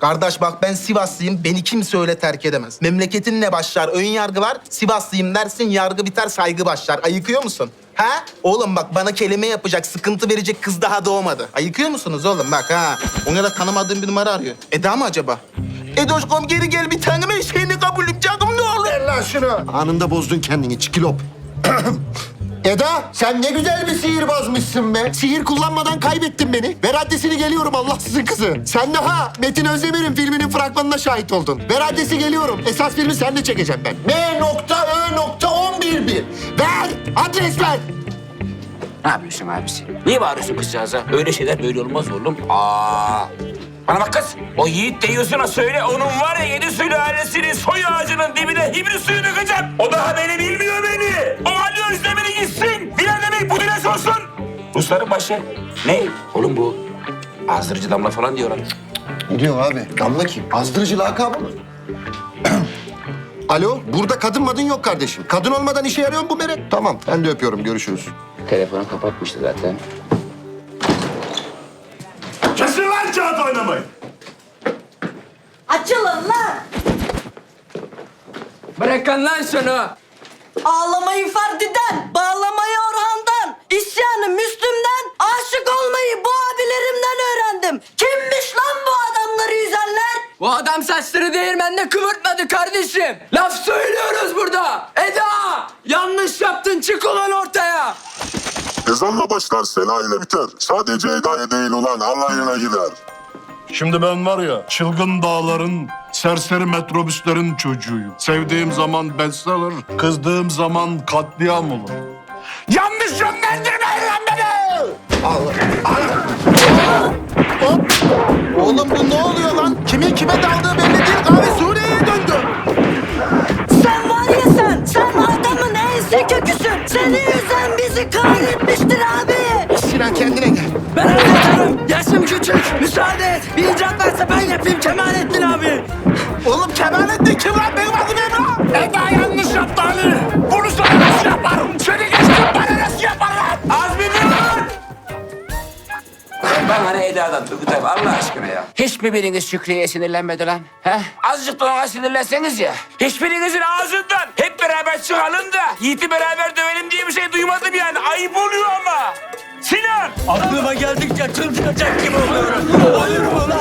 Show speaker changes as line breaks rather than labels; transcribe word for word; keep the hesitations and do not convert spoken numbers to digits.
Kardeş bak ben Sivaslıyım, beni kimse öyle terk edemez. Memleketinle başlar ön yargılar, Sivaslıyım dersin, yargı biter, saygı başlar. Ayıkıyor musun? Ha? Oğlum bak bana kelime yapacak, sıkıntı verecek kız daha doğmadı. Ayıkıyor musunuz oğlum bak ha? Ona da tanımadığım bir numara arıyor. Eda mı acaba? Edoşkom geri gel bir tanem eşeğini kabulüm canım ne olur.
Ver lan şunu. Anında bozdun kendini çikilop. Eda sen ne güzel bir sihirbazmışsın be. Sihir kullanmadan kaybettin beni. Ver adresini geliyorum Allahsızın kızı. Sen daha Metin Özdemir'in filminin fragmanına şahit oldun. Ver adresi geliyorum. Esas filmi sen de çekeceğim ben. M nokta Ö nokta on bir bir. Ver adres ver.
Ne yapıyorsun abisi? Niye bağırıyorsun kızcağıza? Öyle şeyler böyle olmaz oğlum. Aa. Bana bak kız. O Yiğit deyiyorsun söyle. Onun var ya yedi sülalesinin soy ağacının dibine hibri suyu dökeceğim. O daha beni bilmiyor beni. O Ali Özdemir'i gitsin. Bilen demek bu dile sorsun. Rusların başı. Ne? Oğlum bu azdırıcı damla falan diyorlar.
Ne diyorsun abi? Damla kim? Azdırıcı lakabı mı? Alo, burada kadın madın yok kardeşim. Kadın olmadan işe yarıyor mu bu Meret? Tamam, ben de öpüyorum. Görüşürüz.
Telefonu kapatmıştı zaten.
Kesin lan kağıt oynamayı.
Açılın lan!
Bırakın lan şunu.
Ağlamayı Ferdi'den, bağlamayı Orhan'dan, isyanı Müslüm'den, aşık olmayı bu abilerimden öğrendim. Kimmiş lan bu adamları yüzenler?
Bu adam saçları değirmende kıvırtmadı kardeşim. Laf söylüyoruz burada. Eda! Yanlış yaptın, çık ulan ortaya.
Ezanla başlar, sela ile biter. Sadece Eda'ya değil ulan Allah'ına gider.
Şimdi ben var ya çılgın dağların, serseri metrobüslerin çocuğuyum. Sevdiğim zaman bestseller, kızdığım zaman katliam olur. Yanlış yönlendirmeyin lan beni!
Oğlum bu ne oluyor lan? Kimin kime daldığı belli değil, kahve Suriye'ye döndü.
Sen var ya sen, sen adamın ensi köküsün. Seni yüzen bizi kahretmiştir abi.
Sinan kendine gel.
Ben anlatarım. Yaşım küçük. Müsaade et. Bir icat varsa ben yapayım Kemalettin abi.
Oğlum Kemalettin kim lan? Benim adım Emrah.
Eda yanlış yaptı Ali! Bunu sana nasıl yapar? Seni geçtim bana nasıl yapar lan?
Az bir dur! Ben hani Eda'dan Turgut abi Allah aşkına ya. Hiçbir biriniz Şükrü'ye sinirlenmedi lan. He? Azıcık da ona sinirlenseniz ya. Hiçbirinizin ağzından hep beraber çıkalım da Yiğit'i beraber dövelim diye bir şey duymadım yani. Ayıp oluyor ama. Sinan!
Aklıma geldikçe çıldıracak gibi oluyorum. Olur mu